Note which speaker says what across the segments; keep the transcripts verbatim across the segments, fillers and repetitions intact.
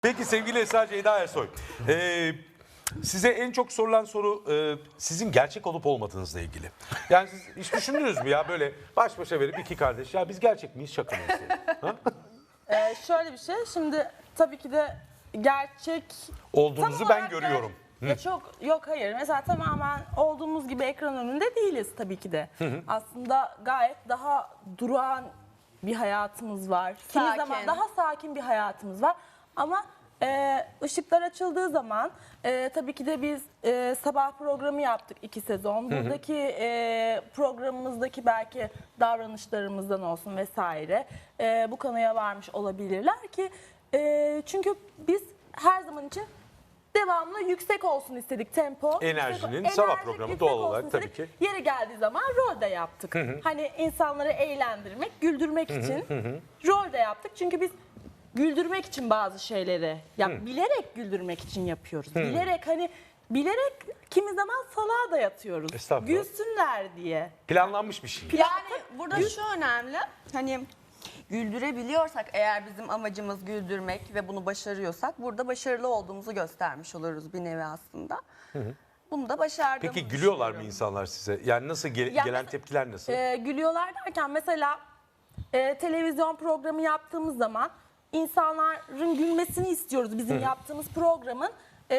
Speaker 1: Peki sevgili Esra Ceyda Ersoy, ee, size en çok sorulan soru e, sizin gerçek olup olmadığınızla ilgili. Yani siz hiç düşündünüz mü ya böyle baş başa verip iki kardeş ya biz gerçek miyiz şaka mıyız? Ha?
Speaker 2: Ee, şöyle bir şey, şimdi tabii ki de gerçek...
Speaker 1: Olduğunuzu
Speaker 2: tam
Speaker 1: ben
Speaker 2: olarak
Speaker 1: görüyorum.
Speaker 2: ger- Ya çok yok hayır. Mesela tamamen olduğumuz gibi ekran önünde değiliz tabii ki de. Aslında gayet daha durağan bir hayatımız var. Kimi
Speaker 3: Sakin.
Speaker 2: zaman daha sakin bir hayatımız var. Ama e, ışıklar açıldığı zaman e, tabii ki de biz e, sabah programı yaptık iki sezon. Buradaki e, programımızdaki belki davranışlarımızdan olsun vesaire e, bu kanıya varmış olabilirler ki e, çünkü biz her zaman için devamlı yüksek olsun istedik tempo.
Speaker 1: Enerjinin
Speaker 2: yüksek-
Speaker 1: sabah
Speaker 2: enerjik,
Speaker 1: programı
Speaker 2: yüksek
Speaker 1: doğal
Speaker 2: olsun
Speaker 1: olarak tabii
Speaker 2: istedik.
Speaker 1: ki.
Speaker 2: Yeri geldiği zaman rol de yaptık. Hani insanları eğlendirmek, güldürmek için rol de yaptık. Çünkü biz güldürmek için bazı şeyleri, ya bilerek güldürmek için yapıyoruz. Bilerek hani bilerek kimi zaman salağa da yatıyoruz.
Speaker 1: Estağfurullah.
Speaker 2: Gülsünler diye.
Speaker 1: Planlanmış bir şey.
Speaker 3: Yani burada şu önemli, hani güldürebiliyorsak eğer bizim amacımız güldürmek ve bunu başarıyorsak burada başarılı olduğumuzu göstermiş oluruz bir nevi aslında. Bunu da başardığımızı
Speaker 1: Peki gülüyorlar mı
Speaker 3: düşünüyorum.
Speaker 1: insanlar size? Yani nasıl ge-
Speaker 2: Ya
Speaker 1: gelen
Speaker 2: mesela-
Speaker 1: tepkiler nasıl?
Speaker 2: Ee, gülüyorlar derken mesela e, televizyon programı yaptığımız zaman insanların gülmesini istiyoruz bizim yaptığımız programın. E,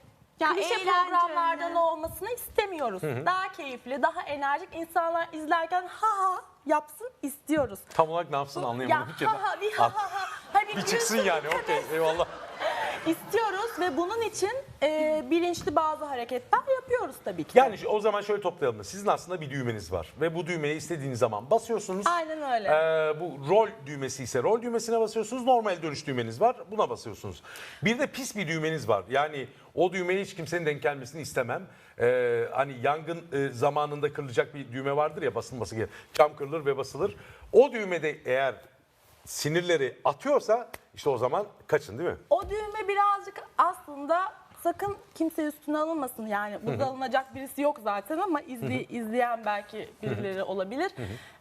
Speaker 3: Ya
Speaker 2: klişe
Speaker 3: eğlenceli.
Speaker 2: programlardan olmasını istemiyoruz. Daha keyifli, daha enerjik insanlar izlerken ha ha yapsın istiyoruz.
Speaker 1: Tam olarak ne yapsın
Speaker 2: Ya
Speaker 1: anlayamadım ki.
Speaker 2: ha ha bir ha ha ha. Hani
Speaker 1: Bir çıksın
Speaker 2: gülsün,
Speaker 1: yani okey eyvallah.
Speaker 2: İstiyoruz ve bunun için e, bilinçli bazı hareketler yapıyoruz tabii ki. de.
Speaker 1: Yani o zaman şöyle toplayalım. Sizin aslında bir düğmeniz var ve bu düğmeye istediğiniz zaman basıyorsunuz.
Speaker 2: Aynen öyle.
Speaker 1: Ee, bu rol düğmesi ise rol düğmesine basıyorsunuz. Normal dönüş düğmeniz var. Buna basıyorsunuz. Bir de pis bir düğmeniz var. Yani o düğmeye hiç kimsenin denk gelmesini istemem. Ee, hani yangın e, zamanında kırılacak bir düğme vardır ya basılması gereken. Cam kırılır ve basılır. O düğmede eğer sinirleri atıyorsa işte o zaman kaçın değil mi?
Speaker 2: O düğme birazcık aslında sakın kimse üstüne alınmasın. Yani burada alınacak birisi yok zaten ama izli, izleyen belki birileri olabilir.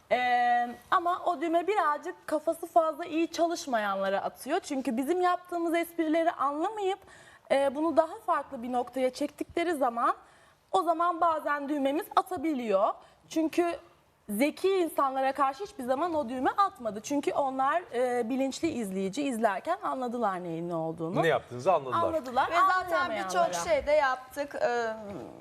Speaker 2: Ee, ama o düğme birazcık kafası fazla iyi çalışmayanlara atıyor. Çünkü bizim yaptığımız esprileri anlamayıp e, bunu daha farklı bir noktaya çektikleri zaman o zaman bazen düğmemiz atabiliyor. Çünkü zeki insanlara karşı hiçbir zaman o düğme atmadı. Çünkü onlar e, bilinçli izleyici izlerken anladılar neyin ne olduğunu.
Speaker 1: Ne yaptığınızı anladılar.
Speaker 2: Anladılar.
Speaker 3: Ve zaten
Speaker 2: anlayamayanlara.
Speaker 3: birçok şey de yaptık. Ee,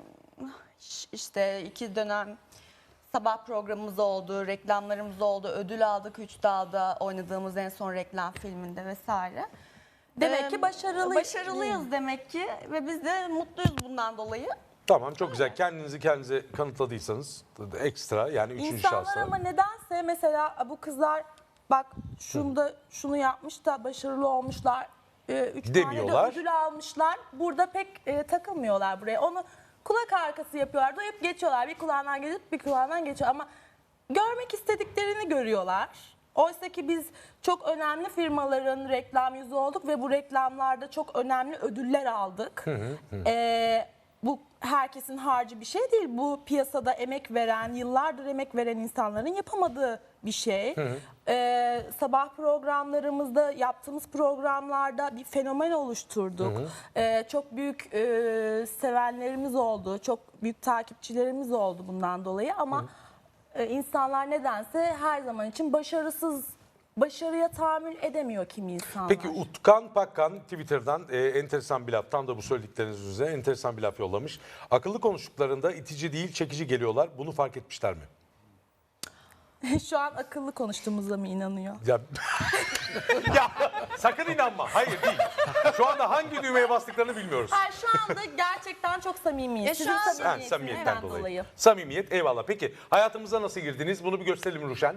Speaker 3: işte iki dönem sabah programımız oldu, reklamlarımız oldu, ödül aldık Üç Dağ'da oynadığımız en son reklam filminde vesaire.
Speaker 2: Demek
Speaker 3: Ee,
Speaker 2: ki başarılı.
Speaker 3: Başarılıyız demek ki ve biz de mutluyuz bundan dolayı.
Speaker 1: Tamam çok güzel. Kendinizi kendinize kanıtladıysanız ekstra yani üçüncü
Speaker 2: İnsanlar
Speaker 1: şahsa.
Speaker 2: ama nedense mesela bu kızlar bak şunda şunu yapmış da başarılı olmuşlar. e, Üç tane de
Speaker 1: Demiyorlar.
Speaker 2: ödül almışlar. Burada pek e, takılmıyorlar buraya. Onu kulak arkası yapıyorlar. Duyup geçiyorlar. Bir kulağından gelip bir kulağından geçiyor. Ama görmek istediklerini görüyorlar. Oysa ki biz çok önemli firmaların reklam yüzü olduk ve bu reklamlarda çok önemli ödüller aldık. Ee, bu herkesin harcı bir şey değil. Bu piyasada emek veren, yıllardır emek veren insanların yapamadığı bir şey. Ee, sabah programlarımızda, yaptığımız programlarda bir fenomen oluşturduk. Ee, çok büyük e, sevenlerimiz oldu, çok büyük takipçilerimiz oldu bundan dolayı ama e, insanlar nedense her zaman için başarısız, başarıya tahammül edemiyor kimi insanlar.
Speaker 1: Peki Utkan Pakkan Twitter'dan e, enteresan bir laf, tam da bu söyledikleriniz üzerine enteresan bir laf yollamış. Akıllı konuştuklarında itici değil çekici geliyorlar. Bunu fark etmişler mi?
Speaker 2: Şu an akıllı konuştuğumuza mı inanıyor?
Speaker 1: Ya, ya sakın inanma. Hayır değil. Şu anda hangi düğmeye bastıklarını bilmiyoruz.
Speaker 2: Hayır, şu anda gerçekten çok samimiyiz.
Speaker 3: Ya şu
Speaker 2: Sizin
Speaker 3: an-
Speaker 1: Ha,
Speaker 2: samimiyetinizden
Speaker 1: samimiyetten dolayı.
Speaker 2: dolayı.
Speaker 1: Samimiyet eyvallah. Peki hayatımıza nasıl girdiniz? Bunu bir gösterelim Ruşen.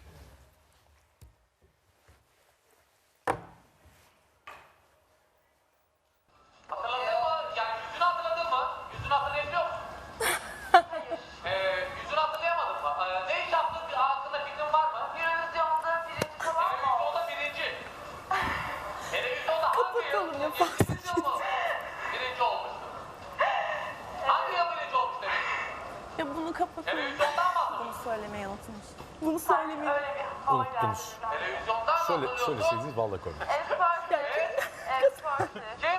Speaker 4: Hatırladın mı? Yani yüzünü hatırladın mı? Yüzünü hatırlayabiliyor musun? ee, yüzünü hatırlayamadın mı? Ee, ne iş yaptın? Bir hakkında fikrin var mı? Televizyonda birinci falan mı? Televizyonda birinci. Televizyonda hangi yıl?
Speaker 2: Kapatalım ya,
Speaker 4: Birinci yıl mı? Birinci olmuştu. Hangi yıl birinci olmuş demek?
Speaker 2: Ya bunu kapatalım.
Speaker 4: Televizyondan mı hatırlıyorsun?
Speaker 2: Bunu söylemeyi unutmuş. Bunu söylemeyi
Speaker 1: Unuttunuz.
Speaker 4: Televizyondan mı
Speaker 1: Söyle,
Speaker 4: hatırlıyorsun?
Speaker 1: söyleseydiniz vallahi koymayız.
Speaker 4: Evet. Ee,
Speaker 2: Başkası.
Speaker 4: Kim?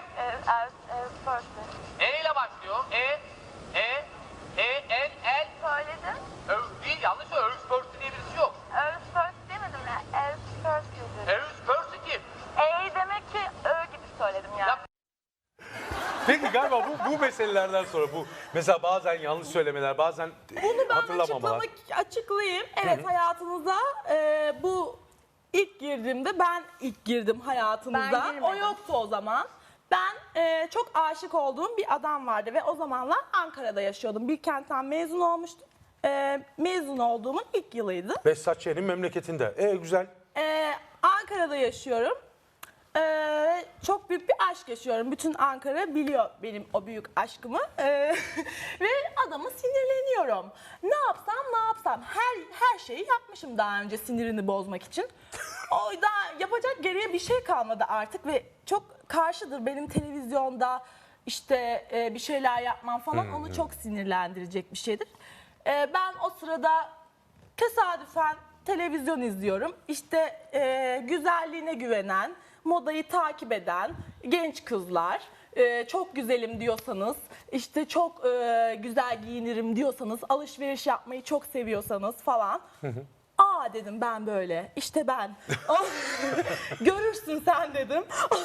Speaker 4: E ile başlıyor. E, E, E, el, el.
Speaker 5: Söyledim.
Speaker 4: Ö değil, yanlış söylüyor. Övüs Pörsü diye birisi yok.
Speaker 5: Earth first demedim ya. Earth first dedim.
Speaker 4: Övüs Pörsü kim?
Speaker 5: E demek ki Ö gibi söyledim yani.
Speaker 4: Ya-
Speaker 1: Peki galiba bu, bu meselelerden sonra bu mesela bazen yanlış söylemeler, bazen
Speaker 2: Bunu ben
Speaker 1: hatırlamamalar.
Speaker 2: açıklamak, açıklayayım. Evet, hayatınıza e, bu ilk girdiğimde ben ilk girdim hayatınıza.
Speaker 3: Ben girmedim.
Speaker 2: O yoktu o zaman. Ben e, çok aşık olduğum bir adam vardı ve o zamanlar Ankara'da yaşıyordum. Bilkent'ten mezun olmuştum. E, mezun olduğumun ilk yılıydı.
Speaker 1: Behzat Ç'nin memleketinde. E güzel.
Speaker 2: Ee, Ankara'da yaşıyorum. Ee, çok büyük bir aşk yaşıyorum. Bütün Ankara biliyor benim o büyük aşkımı. Ee, ve adama sinirleniyorum. Ne yapsam ne yapsam. Her her şeyi yapmışım daha önce sinirini bozmak için. O da yapacak geriye bir şey kalmadı artık ve çok karşıdır benim televizyonda işte e, bir şeyler yapmam falan. Onu çok sinirlendirecek bir şeydir. Ee, ben o sırada tesadüfen televizyon izliyorum. İşte e, güzelliğine güvenen, modayı takip eden genç kızlar, e, çok güzelim diyorsanız, işte çok e, güzel giyinirim diyorsanız, alışveriş yapmayı çok seviyorsanız falan. Aa dedim ben böyle, işte ben. Görürsün sen dedim.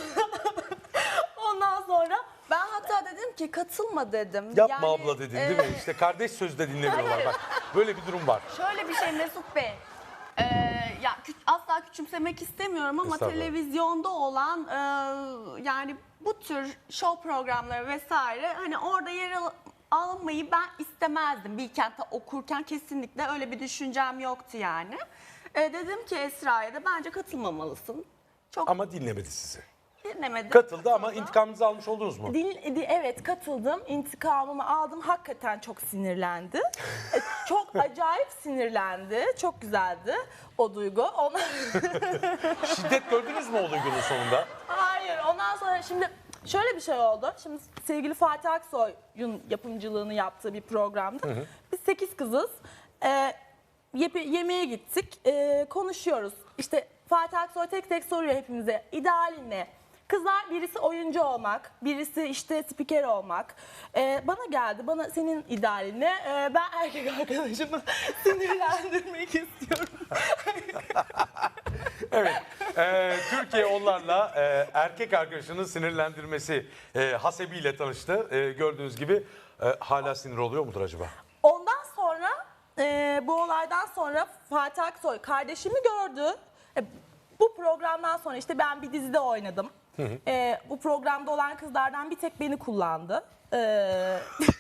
Speaker 2: Ondan sonra
Speaker 3: Ben hatta dedim ki katılma dedim.
Speaker 1: Yapma
Speaker 3: Yani,
Speaker 1: abla dedin
Speaker 3: e,
Speaker 1: değil mi? İşte kardeş sözü de dinlemiyorlar bak. Böyle bir durum var.
Speaker 3: Şöyle bir şey Mesut Bey. Ee, ya kü- asla küçümsemek istemiyorum ama
Speaker 1: Estağfurullah.
Speaker 3: televizyonda olan e, yani bu tür show programları vesaire hani orada yer al- almayı ben istemezdim. Bilkent'te okurken kesinlikle öyle bir düşüncem yoktu yani. E, dedim ki Esra'ya da bence katılmamalısın. Çok
Speaker 1: Ama dinlemedi sizi.
Speaker 3: dinlemedim.
Speaker 1: Katıldı ama intikamınızı almış oldunuz mu?
Speaker 2: Din, di- evet katıldım. İntikamımı aldım. Hakikaten çok sinirlendi. E, çok acayip sinirlendi. Çok güzeldi o duygu. Ondan...
Speaker 1: Şiddet gördünüz mü o duygunun sonunda?
Speaker 2: Hayır. Ondan sonra şimdi şöyle bir şey oldu. Şimdi sevgili Fatih Aksoy'un yapımcılığını yaptığı bir programdı. Biz sekiz kızız. E, yep- yemeğe gittik. E, konuşuyoruz. İşte Fatih Aksoy tek tek soruyor hepimize. İdealin ne? Kızlar birisi oyuncu olmak, birisi işte spiker olmak. Ee, bana geldi, bana senin idealin ne? Ee, ben erkek arkadaşımı sinirlendirmek istiyorum.
Speaker 1: Evet. Ee, Türkiye onlarla e, erkek arkadaşının sinirlendirmesi e, hasebiyle tanıştı. E, gördüğünüz gibi e, hala sinir oluyor mudur acaba?
Speaker 2: Ondan sonra, e, bu olaydan sonra Fatih Aksoy kardeşimi gördü. E, bu programdan sonra işte ben bir dizide oynadım. E, bu programda olan kızlardan bir tek beni kullandı. E,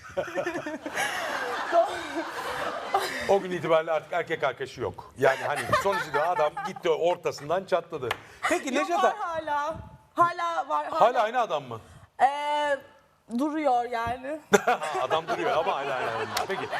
Speaker 1: O gün itibariyle artık erkek arkadaşı yok. Yani hani sonuçta adam gitti ortasından çatladı. Peki
Speaker 2: Yok,
Speaker 1: Necdet
Speaker 2: var hala. Hala var.
Speaker 1: hala aynı adam mı?
Speaker 2: Ee, duruyor yani.
Speaker 1: Adam duruyor ama hala aynı adam. Peki.